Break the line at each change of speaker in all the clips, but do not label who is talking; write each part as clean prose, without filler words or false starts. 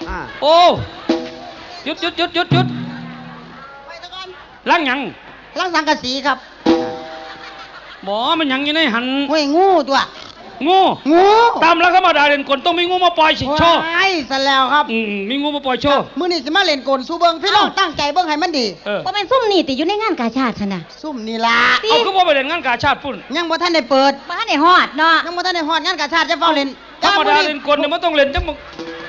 โอ้หยุดล้างหยัง
ล้างสังกะสีครับ
บ่มันหยังอยู่ในหัน
ห้วยงูตัว
งูตามแล้วธรรมดาเล่นกลต้องมีงูมาปล่อยสิโชว์
ใช่ซะแล้วครับ
มีงูมาปล่อยโชว์
มื้อนี้สิมาเล่นกลสู้เบิ่งพี่น้องตั้งใจเบิ่งให้มันดี
บ่แม่นซุ่มนี่ติอยู่ในงานกาชาดซั่นน่ะ
ซุ่มนี่ล่ะ
เอาคือบ่ไปเล่นงานกาชาดพุ่น
ยังบ่ทันได้เปิด
บ่ทันได้ฮอดเนาะ
ยังบ่ทันได้ฮอดงานกาชาดจะเฝ้าเล่น
ธรรมดาเล่นกลเนี่ยมันต้องเล่นจังมึง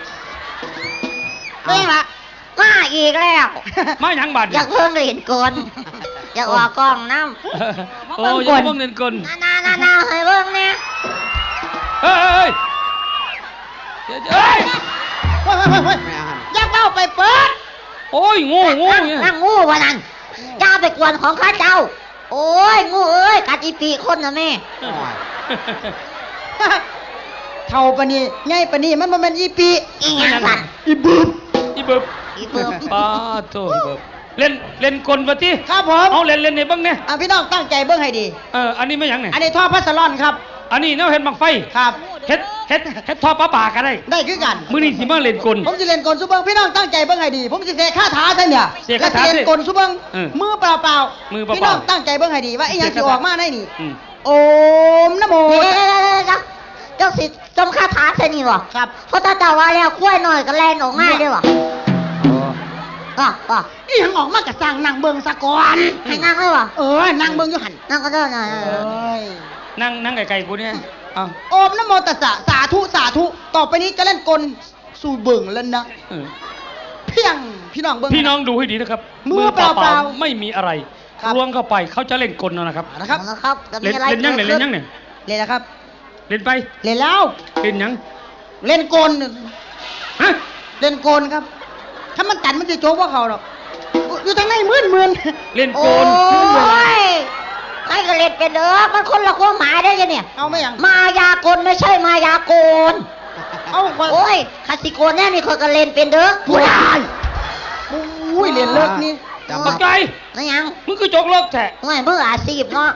เบิ่งล่ะ
มาอีกแล้ว
มาหยังบาด
อยากเพิ่งเล่นกลอยากออกกล้องนำ
โอ้ยอยากเบิ่งเล่นกล
นาให้เบิ่งแน่
เฮ้ย
อย่าเข้าไปเปิด
โอ้ยงู
นั่งงูวะนั่นเจ้าไปกวนของข้าเจ้าโอ้ยงูเอ้ยกัดอีปีคนนะแม่
เท่าปะนี่ใหญ่ปะนี่มันบ่แม่นอีปี
อีหยังสั่น
อีบึบป้าโธ่เล่นกลบ่ติ
ครับผม
เอาเล่นให้เบิ่งแน่
พี่น้องตั้งใจเบิ่งให้ดี
อันนี้ไม่หยังเนี่ย
อันนี้ท่อพัสลอนครับ
อันนี้แนวเฮ็ดบังไฟ
ครับ
เฮ็ดท่อปลาป่าก็ได้
คือกัน
มื้อนี้สิมาเล่นกล
ผมสิเล่นกลซุเบิ่งพี่น้องตั้งใจเบิ่งให้ดีผมสิเสกคาถาซะเนี่ยแล้วสิเล่นกลซุเบิ่งมือเปล่าพี่น้องตั้งใจเบิ่งให้ดีว่าอีหยังสิออกมาได้นี่โอมนะโม
เจ้าสิจมคาถาซะนี่บ่
ครับ
เพราะถ้าเจ้าว่าแล้วกล้วยน้อยก็แล่นออกมาเด้อบ่
อีหยังออกมาก็สร้างนั่งเบิ่งซะก่อน
ให้นั่งเลยบ่
นั่งเบิ่งอยู่หั่น
นั่งก็ได้น่ะ
นั่งไกลๆกูเนี่ย
โอมนะโมตัสสะสาธุต่อไปนี้จะเล่นกลสู่เบิ่งแล้วนะเพียงพี่น้องเบิ่ง
พี่น้องดูให้ดีนะครับ
มือเปล่า
ไม่มีอะไรรวงเข้าไปเขาจะเล่นกลนะครับ
เล่น
ยังเนี่ยเล่น
แล้วครับ
เล่นไป
เล่นแล้ว
เล่นยัง
เล่นกลฮะเล่นกลครับถ้ามันตัดมันจะโจ๊กว่าเขาหรอกอยู่ทางไหนมื่น
เล่นกล
ไอ้ก็เล่นเป็นมันคนละความหมายได้ยังเนี่ย
เอาไม่ยัง
มายากลไม่ใช่มายากลโอ้ยคาสิโกนแน่นี่เขาก็เล่นเป็นผู้ชาย
เล่นเลิกนี่
ปักใจ
ไม่ยัง
มึงคือจกเลิกแท้
ไม่เมื่ออาชีพเนาะ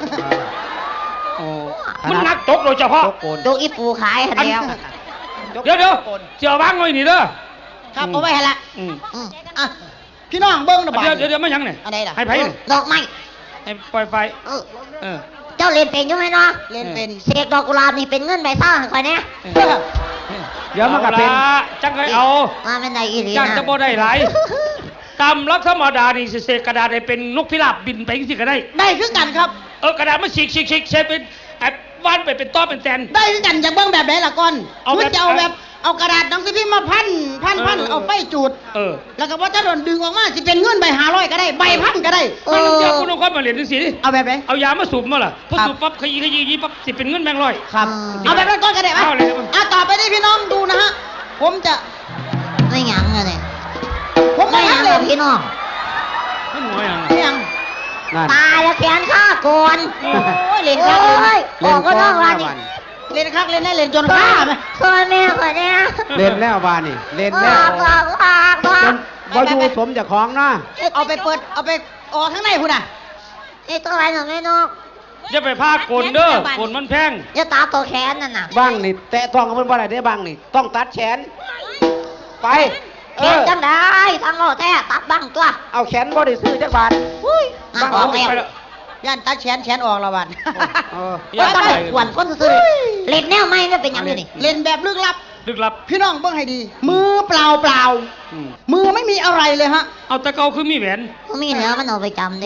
มันนักจกโดยเฉพาะ
จกอีปูขายเดียว
เดี๋ยวเจียวบ้างหน่อยนี่เด้อ
ครับเอาไว้ให้ละพี่น้องเบิ้งนะบ้า
เดี๋ยวไม่ยังเนี่ย
อะไรล่ะ
ให้ไผ่
ดอกไม้
ให้ปล่อยไฟ
เจ้าเล่นเป็นใช่ไหมเนาะ
เล่นเป็น
เสกดอกกุหลาบนี่เป็นเงินใบซ่าของใครเนี่ย
เดี๋ยวมันก็เป็นจังไงเอา
มาเป็นไหนอีหลีนะ
จังจะบ่ได้หลายตามลักษณะธรรมดานี่เสกกระดาษได้เป็นนกพิราบบินไปสิก็ได้
คือกันครับ
กระดาษมันฉีกใช้เป็นวานไปเป็นต้อเป็นแตน
ได้คือกันจะเบิ้งแบบไหนล่ะก่อนมันจะเอาแบบเอากระดาษหนังสือพิมพ์มาพันเอาไฟจุดแล้วก็ว่าจะโดนดึงออกมาสิเป็นเงินใบ500ก็ได้ใบพันก็ได้
เดี๋ยวคุณต้องคอยมาเรียนดูสิ
เอาแบบไหน
เอายามาสูบมาล่ะพอสูบปั๊บขยี้ปั๊บสิเป็นเงินแบงค์ร้อย
ครับเอาแบบนั้นก่อนก็ได้ไหมต่อไปนี้พี่น้องดูนะฮะผมจะ
ไม่หยังเลย
ผมไม่หยังเลย
พี่น้อง
ไม่หน่อย
ยัง
ตายแล้วแขนข้าก่อน
เล่นข้าง
บอกก็ต้องวันนี้
เล่นข้างเล่นได้เล่นจนข้าไหม
เคยแม่เคยเนี่ย
เล่นแล้ววานี่เล่นแล้วจนอยู่สมจากของนะ
เอาไปเปิดเอาไปออกข้างในคุณอ่ะ
ไอ้ตัวอะไรหนูไม่นก
อย่าไปพากกลเด้อกลมันแพง
อย่าตาตัวแขนนั่นน่ะ
บ้างนี่แตะต้องกับมันบ่ได้ได้บ้างนี่ต้องตัดแขนไป
จังได้ทางโลแท้ตัดบ้างตัว
เอาแขนบ่ได้ซื้อจักบาท
บ้างออกแล้ว
ย่านตัดแขนออกแล้วบัด
ว่าต้องหวนคนซื้อเล่นแนวไม่ได้เป็นยังไงนี่
เล่นแบบลึกลับพี่น้องเบิ่งให้ดีมือเปล่ามือไม่มีอะไรเลยฮะ
เอาตะเกาคือมีแหวน
มีเนื้อมันเอาไปจำดิ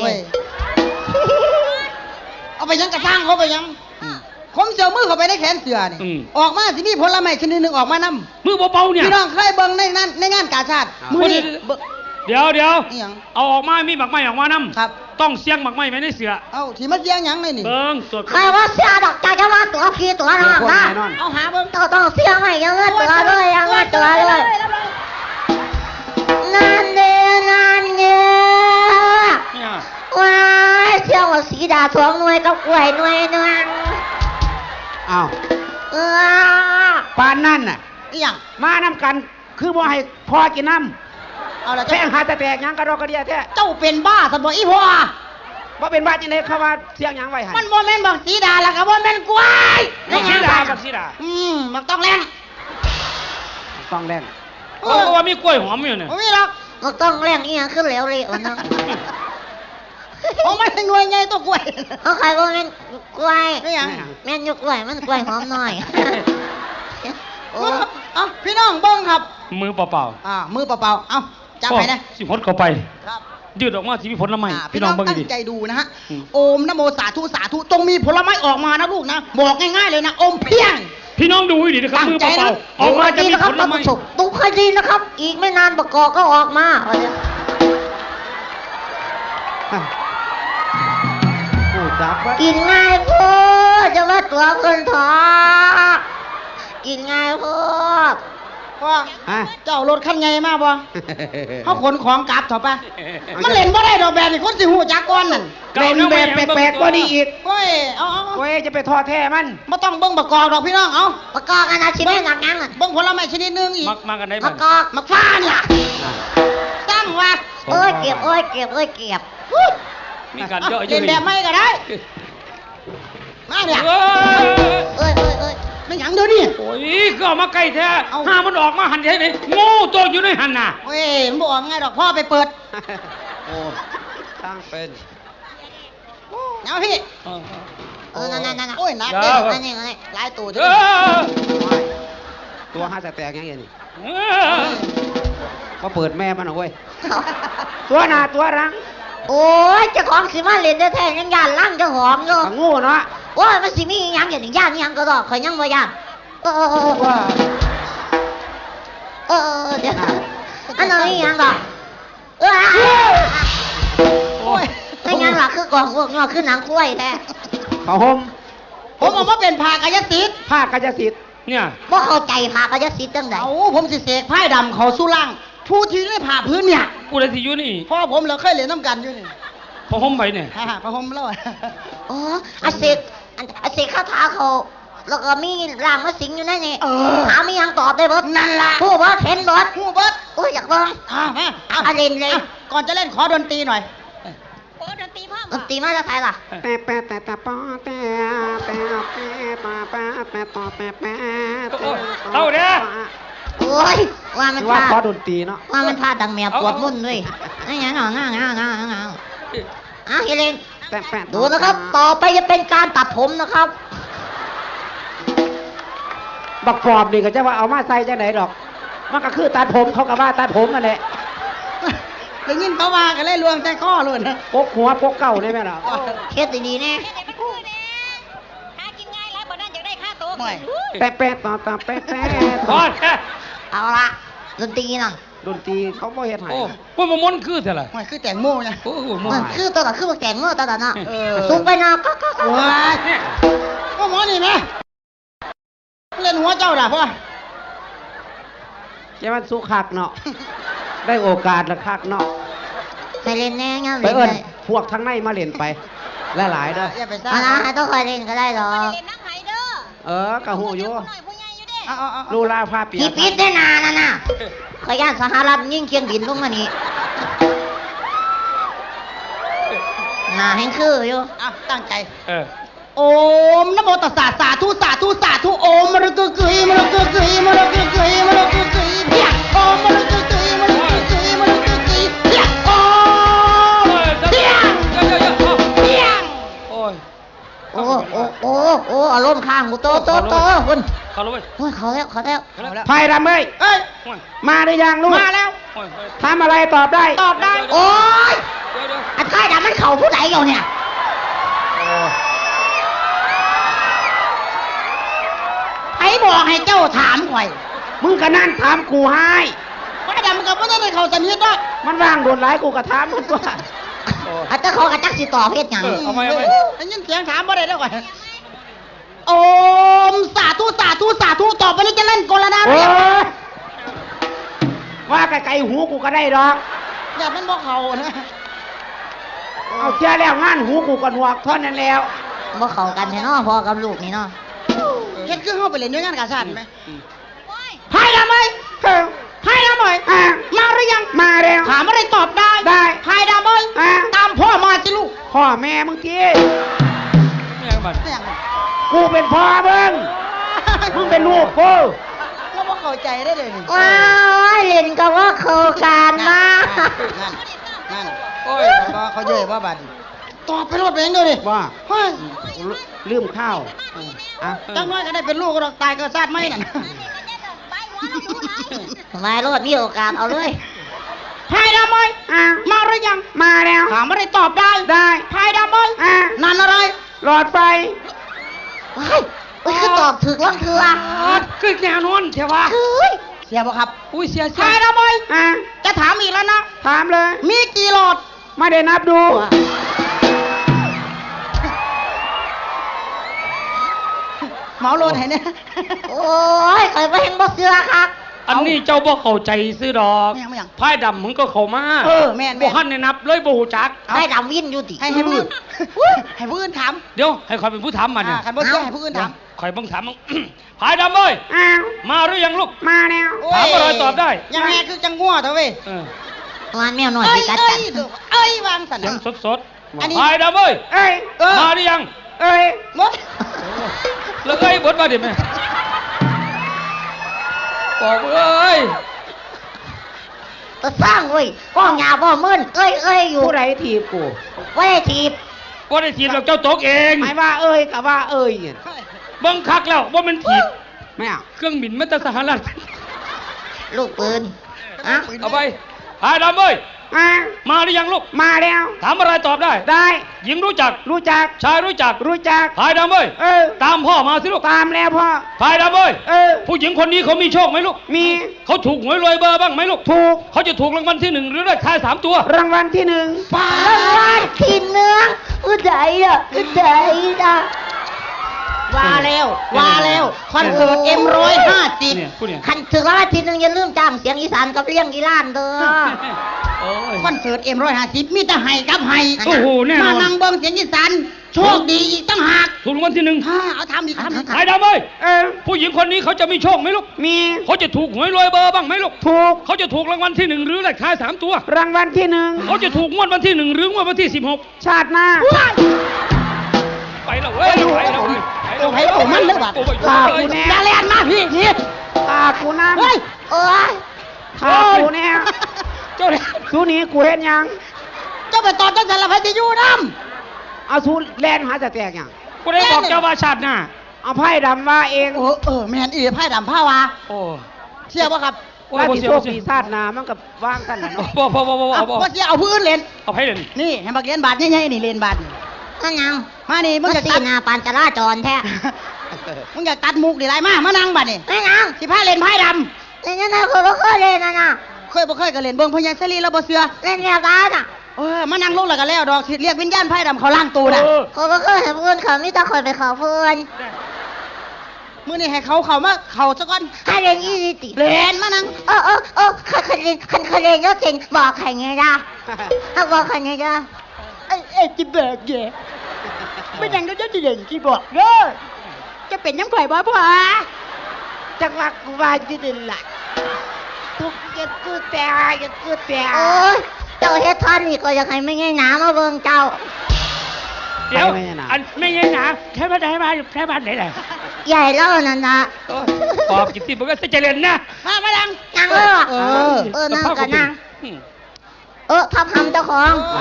เอาไปยังกระช่างเขาไปยังผมเสียวมือเข้าไปในแขนเสือนี่ออกมาสิมีผลไม้ชนิดหนึ่งออกมานำ
มือเบาๆเนี่ย
พี่น้องเคยเบิ่งในงานกาชาดมือนี่
เดี๋ยวเอาออกมามีหมักไม้ออกมานำ
ครับ
ต้องเสียงหมักไม้ไว้ในเสือ
ที่มันเสียงหยังนี่
เบิ่งตัว
ใครว่าเสียดอกใจจะว่าตัวพี่ตัวน้องนะ
เอาหาเบิ่ง
ต้องเสียงให้ยังเงินตัวเลยยังเงินตัวเลยงานเด้องานเงี้ยว้ายเสียงว่าสีดาสองหน่วยกับกล้วยหน่วยนึง
ปานนั่นน่ะ
อีหยัง
มานำกันคือบ่ให้พอกินน้ำ
เอาละ
แป้งหาแต่แตกยังกระดอกกระเดียแท้
เจ้าเป็นบ้าสันบ่อีพ่อ
ว่าเป็นบ้าจังได๋เขาว่าเสียงหยังไว้ให้
มันบ่แม่นบักสีดาล่ะก็บ่แม่นกล้วย
บักสีดา
มันต้องแรง
ต้องแรง
เพราะว่ามีกล้วยหอมอยู่เนี่ย
ไม่มีหรอก
มันต้องแรงอีหยังขึ้นแล้วเลยวันนั้น
ผมไม่หน่วยไงตัวกล้วย
เขาใครก็แม่นกล้วย
ไม่หยัง
แม่นยกกล้วยมันกล้วยหอมหน่อยโอ้
เอาพี่น้องเบิ้งครับ
มือเปล่า
มือเปล่าๆเอาจับไปนะ
สิพดเข้าไป
ครับ
ยืดออกมาที่มีผลไม้
พี่น้อง
เบิ่ง
ตั้
ดิ
งใจดูนะฮะโอมนะโมสาธุสาธุจงมีผลไม้ออกมานะลูกนะบอกง่ายๆเลยนะอมเพียง
พี่น้องดูให้ดีนะครับ
ตั้ง
มือ
ใจ
เป
นะ
ล่าๆออกมาจะมี
นะค
ผ
รับ
ล
ท่าน
ไม้
ผู้ชมดูให้ดีนะครับ อีกไม่นานประกอบก็ออกมา
ผู้จับว่า
กินง่ายพูดจะว่าตัวเงินทองกินง่ายพูด
พ่อ
ฮะ
เจ้ารถคันไงมาบ่เขาขนของกลับเถอะปะมันเล่นบ่ได้ดอกแบบนี้คนสิหูจักก่อนนั่น
เป็นแบบแปลกๆกว่านี้อีก
โอ้ยเอา
เว้ยจะไปทอดแท้มัน
ไม่ต้องเบิ้งประกอบดอกพี่น้องเอา
ประกอบกันนะชิ้นนี้หนักยังอ่ะ
เบิ้งผลไม้ชนิดหนึงอีก
มากันได้
ป
บ้า
ระ
ง
กอบ
มักฟ้าเนี่ยตั้งว่า
เอ้ยเก็บเอ้ยเก็บเอ้ยเก็บ
มีการเยอะเย
เล่
อะ
นแบบไม่ก็ได้มาเนี่ย
เอ้ย
เอ้ยเอ้ยเอ้ย
ไม่หยังเดี๋ยวนี้
โอ้ยก็เอามาใกล้แท้
เอา
ห้ามันออกมาหันใช่ไหมงูตัวอยู่ในหันน่ะ
เว้ยมันบอกไงดอกพ่อไปเปิด
โอ้ตั้งเป็น
เอาพี่
นั่น
โอ้ยหนัก
เดี๋
เลย
ยว
อันนี้อันนี้
หลายตัว
เอ
เด้อ
อ
ตัวห้าแตกยังไงนี่
เออ
ก็เปิดแม่มันเอาเว้ยตัวหน้าตัวรัง
โอ้ยเจ้าของสิมาเล่นแท้ๆยังย่านล่างเจ้าหอมอยู่
ก็โงูเนาะ
โอ้ยมันสิมีอีหยังอย่างนี้ย่านอีหยังก็ดอกข่อยยังบ่ย่าน
ว่า
เดี๋ยวอันนั้นอีหยังดอก
โอ้ย
ไม่งั้นล่ะคือกองพวกนี้คือหนังกล้วยแท้
ผ้าห่ม
ผมเอามาเป็นผ้ากายสิทธิ์
ผ้ากายสิทธิ์
เนี่ย
บ่เข้าใจพากระจะสิจังได๋
เอาผมสิเสกไพ่ดำเขาสู้ล่างผู้ที่ได้ผ่าพื้นเนี่ย
กูเลยสิอยู่นี่
พ่อผมเราเคยเล่นน้ำกันอยู่นี่
พอห่มไปเนี่ย
ฮ่าพระผมเล่า
อ๋ออาเสกอาเสกคาถาเขาแล้วก็มีร่างมาสิงอยู่ในนี่ถามมีหยังตอบได้เบิด
นั่นล่ะ
ผู้บ่เห็นเบิด
ผู้เบิด
โอ้ยอยากเบิ่ง
มา
เล่นเลย
ก่อนจะเล่นขอดนตรีหน่อย
ดนตรีมาจากไสล่ะ
แต่ปอแต่ปอแต่ปอปอแต่ปอแต่
เอาเด้อ
โอ้ยว่ามัน
ว่า
พา
ขอดนตรีเนาะ
ว่ามันพาดังแมวปวดมุ่นด้วยไอ้หยังงางเฮเลน
แต่แปะ
ดูนะครับ ต่อไปจะเป็นการตัดผมนะครับ
บักปอบนี่ก็จะว่าเอามาใส่จังไหนดอก มันก็คือตัดผมเขาก็ว่าตัดผมนั่นแหละ
ได้ยินเขาว่ากันเลยลวงใจข้อเลยนะ
ปกหัวปกเก่าได้ไหมล่ะ
เฮ็ดดีๆแน่
หน่อย
แต่แปะต่อแปะ
พอแค่
เอาละดนตรีนั่น
ดนตรีเขาบ่เฮ็ดให้
โอ้พวกมันม้วนคือเท่าไหร่
หน่อยคือแต่งโมไง
โอ้โหม้ว
มัน นคือตัวละคือแกงเมื่อตัวละน่ะ
เออ
สูงไปนะก็
ว้ายก็หมอนี่ไหมเล่นหัวเจ้าด่ะพ่อ
จะมันสุคักเนาะ ได้โอกาสละคักเนาะ
ไปเล่นแน่งั้น
ไป
เล่น
เอิ้น
เลย
พวกทั้งในมาเล่นไปหลายๆเด้อ
อย่าไปซ่า
เอาละให้ต้องคอยเล่นก็ได้หรอก
กะหูอยู่
เอา
ลูลาผ้าเปีย
พี่
ก
ปิดได้นานนะน่ะขอย่านสหรัฐยิ่งเคียงบินลงมานี่น่าแห้งคืออยู่
ตั้งใจ
เออ
โอมนะโมตัสสะสาธุสาธุสาธุโอมมะระกึกกึยมะระกึกกึยมะระกึกกึยมะระกึกกึยเพียงโอมมะระกึกกึยมะระกึกกึยมะระกึกกึยเพียงโอมเพียงเพียง
โอ้ย
โอ้อารมณ์ข้างกูโตคุณ
เขาลงไป
โอ้ยเขาแล้ว
ไผ่ดำเอ้ย
เอ้ย
มาหรือยังลูก
มาแล้ว
ทำอะไรตอบได้
ตอบได้
โอ้ยอันท้ายดำมันเข่าผู้ใดอยู่เนี่ย
ไอ้บอกให้เจ้าถามข่อย
มึงก็นั่นถามกูให้
ว่าดำกับว่าได้เขาสนิทด้วย
มันว่างโดนหลายกูก็ถามมันว่า
อาจจะเขากระจักสิต่อเพศหยัง
เอาไหม
ได้ยินเสียงถามว่าได้แล้วก่อนโอมสาธุสาธุสาธุต่อไปนี้จะเล่นกลนา
โอ้
เรีย
ยว่าไกลๆหูกูก็ได้ดอก
อย่ามันบอกเขานะ
เอาเชื่อแล้วงานหูกูก็หนวกเท่านั้นแล้ว
บ่เข้ากันแท้เนาะพ่อกับลูกนี่เนาะ
เฮ็ดคือเข้าไปเล่นด้วยงานกาชาดไหมไพ่ดำไหมไพ่ดำไหมมาหรือยัง
มาแล้ว
ถามอะไรตอบได้
ได้
ไพ่ดำไหมตามพ่อมาสิลูก
พ่อแม่มึงที
ไม่ยังบัด
เนี่ย
กูเป็นพ่อมึง มึงเป็นลูกกู
แล้วว่าเขาใจได้เลยนี่
ว้ายเล่นก็ว่าเข้ากันมา
นั่นโอ้ยเขาเย่ว่าบัดตอบไปรถไปเองเลยดิ
ว่า
เฮ้ย
ลืมข้าวอ่ะ
จังน้อยก็ได้เป็นลูกก็ตายก็ซาดไม่นั่น
มาโลดมีโอกาสเอาเลย
พายดำไหมมาหรือยัง
มาแล้ว
ถามไม่ได้ตอบได้
ได้
พายดำไหม นั่นอะไร
หลอดไฟ
ว้ายคือตอบถึกล่องเถื่อ
คือแนวนอนใช่ปะ
เฮ้ย
เสียบ่ครับ
อุ้ยเสีย
พายดำไหม
อ่ะ
จะถามอีกแล้วนะ
ถามเลย
มีกี่หลอด
ไม่ได้นับดู
เหมาโลดไหนเนี่ย
โอ้ยใครไปเห็นบ่เสือครับ
อันนี้เจ้าบ่เข้าใจซื้อดอก
ไม่ยัง
พายดำมึงก็เข้ามา
แม่น
บ่ทันได้นับเลยบ่ฮู้จัก
ได้ดำวินอยู่ติ
ให้ผู้อื่นให้ผู้อื่นถาม
เดี๋ยวให้คอยเป็นผู้ถามมันเนี่ย
คันบ่เชื่อให้ผู้อื่นถาม
คอยเบิ่งถามมึง พายดำเอ้ย
อ้าว
มาหรือยังลูก
มาแล้ว
ถามอะไรตอบได้
ยังไงคือจังงัวเถอะเว้ย
เออ
วันแมวหน่อย
เอ้
สิ
ย
กัด
เอ้
กั
ย
น
เอ้ยวางสัน
เสียงสด
อันนี้
ๆพายดำเอ้ย
เอ้ย
มาหรือยัง
เอ้ย
หมด
แล้วเอ้ยบดมาดิแม่บอกเอ้ย
ก็สร้างเว้ยก้องยาบ่มื่นเอ้ยอยู่
ผู้ใดถีบกู
ไว้ทีบ
บ่ได้ถีบเราเจ้าตกเอง
หมายว่าเอ้ยกับว่าเอ้ยเนี่ย
เบิ่งคักแล้วว่ามันถีบ
ไม่เอา
เครื่องบินมาจากสหรัฐ
ลูกปืนอะ
เอาไปพายดำเอ้ย
อ่ะ
มาหรือยังลูก
มาแล้ว
ถามอะไรตอบได้
ได้
หญิงรู้จัก
รู้จัก
ชายรู้จัก
รู้จัก
พายดำเอ้ย ตามพ่อมาสิลูก
ตามแล้วพ่อ
พายดำเอ้ย ผู้หญิงคนนี้เขามีโชคไหมลูก
มี
เขาถูกหวยรวยเบอร์บ้างไหมลูก
ถูก
เขาจะถูกรางวัลที่ 1 หรือได้ท้าย3 ตัว
รางวัลที่หนึ่ง
ปาลานขีดเนื้ออุดใจอ่ะ
ว่าแล้วคอนเสิร์ตM150
เนี่ยผู้เนี่ย
คันถึงแล้วทีนึงอย่าลืมจ้างเสียงอีสานกับเลี้ยงอีล้านเด้อ
โอ้ย
คอนเสิร์ต M150 มีแต่ให้กับให้
โอ้โหแน่นอน
มานั่งเบิ่งเสียงอีสานโชคดีอีกตั้งหาก
ถูกรางวัลที่ 1
เอาทำอีก
พายดำเอ้ยผู้หญิงคนนี้เขาจะมีโชคไหมลูก
มี
เขาจะถูกหวยรวยเบอร์บ้างไหมลูก
ถูก
เขาจะถูกรางวัลที่ 1 หรือได้ท้าย3 ตัว
รางวัลที่หนึ่ง
เขาจะถูกงวดวันที่ 1 หรืองวดวันที่ 16
ชาติหน้า
ไปแล้วเว้ยไปแล้วเว้ย
โอ้โหมันเลยบัด
โอ้ย
ตากูแน่
อย่าเลียนมาพี่
ตากูน้ำ
เฮ้ย
โอ้ย
ตากูแน่
เจ้าเนี่ย
สู้นี้กูเห็นยัง
เจ้าไปตอบจังสันละพันจะอยู่น้
เอาสู้แลนหาจะแตกยัง
กูได้บอกเจ้าว่าชาติหน้า
เอาไพ่ดำว่าเอง
ำแม่นอีไพ่ดำผ้าวา
โอ้
เชื่อป่ะครับ
ว่าสิโชคปีศาจนามันกับว่างกันนะเนาะ
บ่
ว่าเชื่อเอาพื้นเล่น
เอาให้เล่น
นี่ให้บักเรียนบาทใหญ่ๆนี่เรียนบาทนี่
นั่นยัง
มานี่มึ
มั
ง
น
อยาก
ตี
ตัด
หนาปานจราจรแท้
มึงอยากตัดมุกดิไรมานั่งบาทนี่
นั่นยัง
สิผ้าเล่นไพ่ด
เล่นยังไงคนบ่เคยเล่นนะ
ำเคยบ่เคยก็เล่นเบิ่งพญาเสรีแล้วบ่เชื่อ
เล่นแบบนั้นอ่ะ
มานั่งลงแล้วก็แล้วดอกสิเรียกวิญญาณไพ่ดำเขาล่างตูน่ะ
คนบ่เคยเห็นเพื่อนเขามีแต่คนไปขอเพื่อน
มื้อนี้ให้เขามาเขาซะก่อน
ให้เล่นอีสิติ
เล่นมานั่ง
คันเล่นก็เก่งบอกใครไงล่ะถ้าบอกใครไงล่ะ
ไอ้จิเบิกเย่ไม่ยังก็จะเด่นที่บอกเด้อจะเป็นยังไงบ่พ่อ
จังหวะกูว่าจะเดินละทุกเย็ดกูแต่ยัดกูแต่
โอ้ยเจ้าเฮ็ดท่อนนี่ก็ยังให้ไม่ง่ายหนามาเบิ่งเจ้า
เดี๋ยวอันไม่ใช่หนาแค่บ้านไหนแหละ
ใหญ่แล้วนั่นนะ
ปอบกิตติบอกว่าจะเล่นนะ
มาดัง
นั่งเลยนั่งกันนั่งทับทำเจ้าของ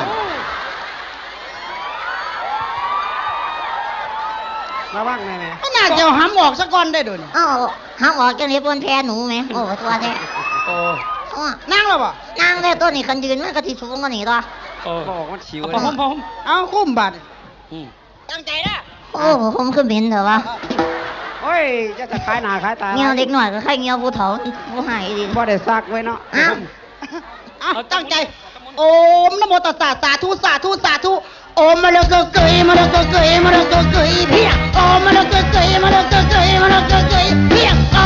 ระวังแน่
มันน่าจะเอาหำออกซะก่อนได้โดน
อ้าวห้ามออกจังนี้บนแพหนูไหมโอ้ตัวแท้
โอ้
นั่งแล้วบ่
นั่งได้ตัวนี้กันยืนมันก็ที่สูงกว่านี้ตัว
โอ้
ๆบอกมันชิว
พร้อม
เอาคุ้มบัตรตั้งใจนะ
โอ้ผมคือเหม็นเถอะวะ
โอ้ยจะขายหน้าขายตา
เงี้ยวเด็กหน่อยก็แค่เงี้ยวผู้เฒ่าผู้หายดี
บ่ได้ซักไว้เนาะ
อ้าว
เอาตั้งใจโอมนะโมตัสสะสาธุสาธุสาธุโอมมะละกะเกยมะละกะเกยมะละกะเกยเพียงโอมมะละกะเกยมะละกะเกยมะละกะเกยเพียงโอ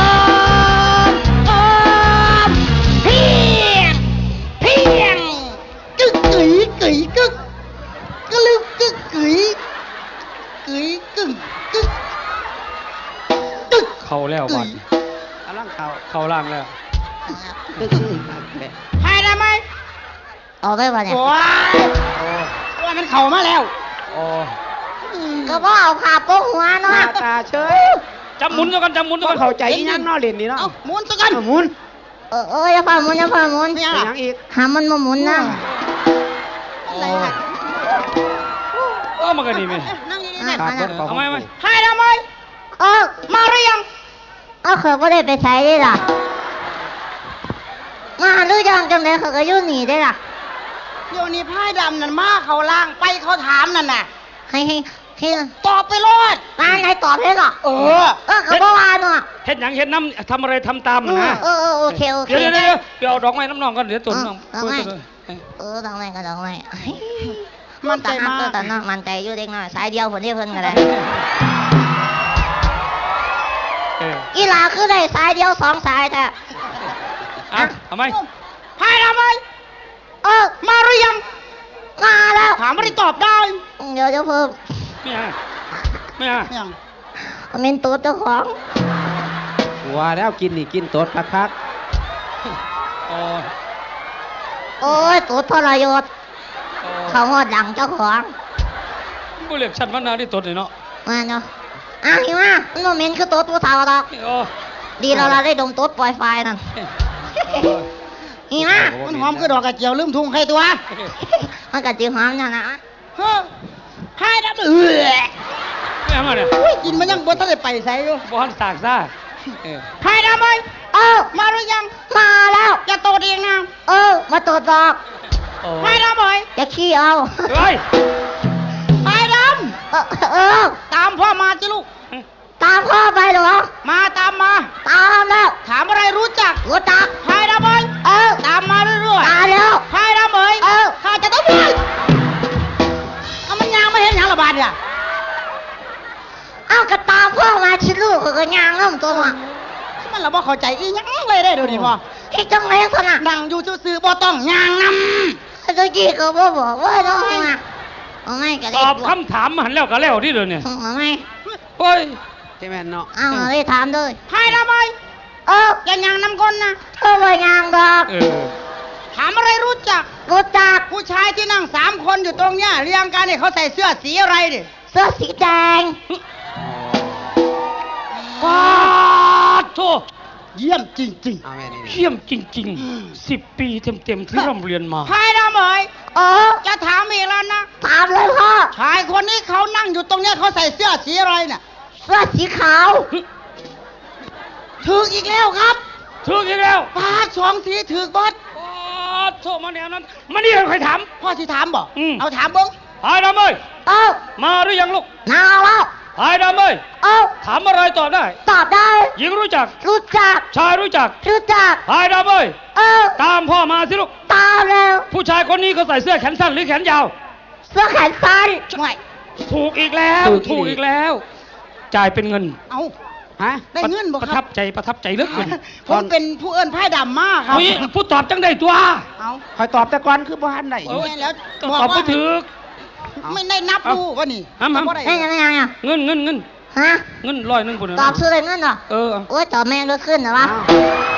มเพียงกึกกึ๋ยกึ๋ยกึกกะลึกกึกกึ๋ยกึ๋ยกึ่งกึกกึก
เข้าแล้ววัน
กำลังเข้า
เข้าล่างแล้ว
ตึ้ง
ให้ได้ไหม
เอาไปวะเนี่ย
โอ้ยว่ามันเข้ามาแล้ว
โอ้
ก็บ่เอาขาโป๊กหัว
หน้า
เนาะ
ตาเฉย
จำหมุนซะกันจำหมุนซะ
ก็
กัน
เข้าใจอีหยังเนาะเล่นนี่เนาะ
เอาหมุนซะกัน
เอาหมุน
อย่าพาหมุนอย่าพาหมุน
ไม่ยัง
ไป
ล่ะ
หยังอีก
หามันมาหมุนนะ
อะไรล่ะ
มันก็ดีไหม
นั่งดีๆ
อ่ะ
เนี่ย
ขาดเบิดของ
เอาไหม
ให้ทำไม
เออ
มาหรือยัง
เอาเขาก็ได้ไปใช้ได้ล่ะมาหรือยังจังเลยเขาก็อยู่หนีได้ล่ะ
โยนี่พายดำนั่นมาเขาล่างไปเขาถามนั่นน่ะ
ให้
ตอบไปรอด
งานไหนตอบได้ก่อน
เออ
เขาบอกว่าเนาะ
เห็นหยังเห็นน้ำทำอะไรทำตามนะ
โอเคโอเค
เดี๋ยวเอาดอกไม้น้ำนองกันเดี๋ยวตุนน้อง
ดอกไม้ ดอกไม้ก็ดอกไม้
มันใจมาก
แต่น้องมันใจอยู่เด็กน้อยสายเดียวคนที่เพิ่นก็ได้อีหลาคือได้สายเดียวสองสายแท้
เอาไหม
ให้ทำไม
มา
หรือยัง
มาแล้ว
ถามไม่ได้ตอบได้
เดี๋ยวเพิ่ม
ไม่เอา
ยัง
เมนตัวเจ้าของ
ว่าแล้วกินนี่กินตดคัก
โอ้ยตัวทรยศเขาหอดหลังเจ้าของ
ผู้เรียกฉันว่านาที่ตดเลยเนาะ
มาเนาะหิมามันโมเมนต์คือตัวผู้เฒ่าดอกดีเราได้ดมตัวปล่อยไฟนั่นหิมา
มันหอมคือดอกกระเจียวลืมทุ่งใครตัว
มันก็จีหอมนะ
เฮ้อให้ทำ
ไม่เอามาเนี่ย
กินมันยังบ่ทันได้ไปใส่อยู่
บ้านตากซ่า
ให้ทำไมมาหรือยัง
มาแล้ว
จะโตเองนะ
มาตัวดอก
ให้ทำไม
จะขี้เอา
เฮ้ย
ให้ท
ำ
ตามพ่อมาจิลูก
ตามพ่อไปเหรอ
มาตามมา
ตามแล้ว
ถามอะไรรู้จัก
รู้จัก
ให้ทำไมตามมาเรื่อย
ตามแล้ว
ๆให้ทำไมข้าจะต้องไปเอามันยางไม่เห็นอย่างระบาดเนี่ย
เอาก็ตามพ่อมาชิลูกก็ยางน้ำตัวมา
มันเราบ่เข้าใจอีหยังเลยได้อเดี๋ยวนี้พ่อ
อีจังไรขนาด
นั่งอยู่ซื่อๆบ่ต้องยางน
ตัวจีก็บอกว่าน้องมาเอาไม่ก็
ต
ได้
อบคำถามหันแล้วก็แล้วที่เดินเนี่ย
เอาไม่
เฮ้ย
ๆใช่ไหมนเนาะ
เอาได้ถามด้วย
ำให้ทำไมอย่ายางนำคนนะ
เธอไปยางดอก
ถามอะไรรู้จัก
รู้จัก
ผู้ชายที่นั่ง3 คนอยู่ตรงเนี้ยเรียงกันเนี่ยเขาใส่เสื้อสีอะไรดิ
เสื้อสีแดง
ป้าโธ่
เยี่ยมจริง
เอาแม่นี่
เยี่ยมจริงๆ10 ปีเต็มๆที่ร่ำเรียนมา
ๆให้ทำไมจะถามอีกแล้วนะ
ถามเลยพ่อ
ชายคนนี้เขานั่งอยู่ตรงเนี้ยเขาใส่เสื้อสีอะไรน่ะ
เสื้อสีขาว
ถึกอีกแล้วครับ
ถูกอีกแล้ว
ปาด2 ทีถึกบด
ป้าโธ่มาแนวนั้นมานี่ใครถาม
พ่อที่ถามบอก
เอา
เอาถามเบิ้ง
หายดำเอ้ย
เออ
มาหรือยังลูก
นาแล้ว
หายดำเอ้ย
เออ
ถามอะไรตอบได้
ตอบได้
หญิงรู้จัก
รู้จัก
ชายรู้จัก
รู้จัก
หายดำเอ้ย
เออ
ตามพ่อมาสิลูก
ตามแล้ว
ผู้ชายคนนี้เขาใส่เสื้อแขนสั้นหรือแขนยาว
เสื้อแขนสั้น
ไม่
ถูกอีกแล้ว ถูกอีกแล้ว จ่ายเป็นเงิน
เอา
ฮะ
ได้เงินบ่
ประ
ค
ทั
รับบ
ใจประทับใจเหลือเกิน
ผมเป็นผู้เอิ้นไพ่ดำมากครับ
เฮ้ยผู้ตอบจังได้ตัว
เอา
คอยตอบแต่ก่อนคือบ่ทันได้
เอ้ย
แล้ว
ต
บอก
อบ
ว่า
ไม่ถึก
ไม่ได้นับดูว่านี่
เอามา
บ่ได้
ได้ยังอ่ะ
เงิน
ฮะ
เงิน100นึงพุ่น
ตอบชื่ออะไรเงินเหรอ
เออ
โอ้ยตอบแม่งก็ขึ้นเหรอวะ
อ้าว